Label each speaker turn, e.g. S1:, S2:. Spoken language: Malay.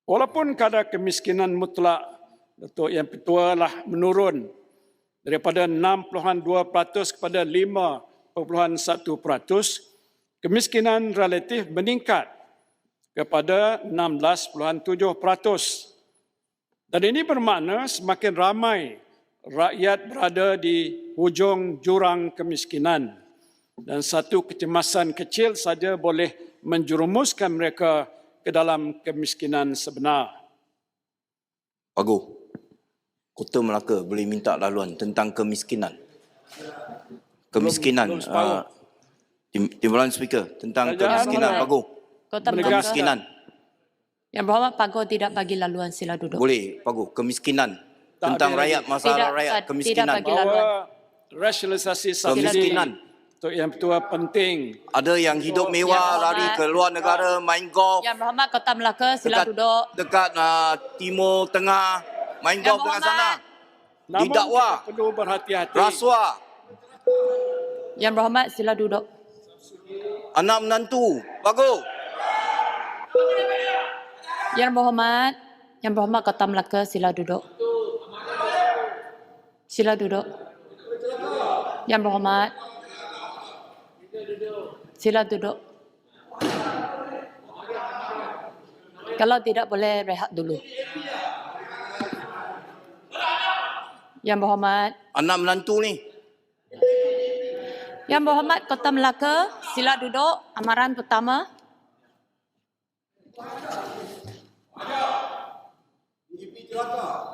S1: Walaupun kadar kemiskinan mutlak Datuk Yang Pertua lah menurun daripada 6.2% kepada 5.1%, kemiskinan relatif meningkat kepada 16.7%. Dan ini bermakna semakin ramai rakyat berada di hujung jurang kemiskinan dan satu kecemasan kecil saja boleh menjerumuskan mereka ke dalam kemiskinan sebenar.
S2: Pagu, Kota Melaka boleh minta laluan tentang kemiskinan. Kemiskinan, Timbalan Speaker, tentang kemiskinan, Pagu.
S3: Kota
S2: Kemiskinan.
S3: Yang Berhormat Pagu tidak bagi laluan, sila duduk.
S2: Boleh, Pagu. Kemiskinan. Tentang rakyat, masalah rakyat, kemiskinan.
S3: Tidak bagi laluan.
S1: Bahawa rasionalisasi subsidi
S2: Kemiskinan.
S1: Datuk Yang Pertua penting.
S2: Ada yang hidup mewah, lari ke luar negara, main golf.
S3: Yang Berhormat Kota Melaka, sila duduk.
S2: Dekat Timur Tengah, main golf dekat sana.
S1: Namun
S2: Didakwa.
S1: kita perlu berhati-hati.
S2: Rasuah.
S3: Yang Berhormat, sila duduk.
S2: Anak menantu. Pagu.
S3: Yang Berhormat Kota Melaka, sila duduk. Sila duduk. Yang Berhormat, sila duduk. Kalau tidak boleh rehat dulu. Yang Berhormat,
S2: Anak menantu ni.
S3: Yang Berhormat Kota Melaka, sila duduk. Amaran pertama.
S4: DP Jelaka.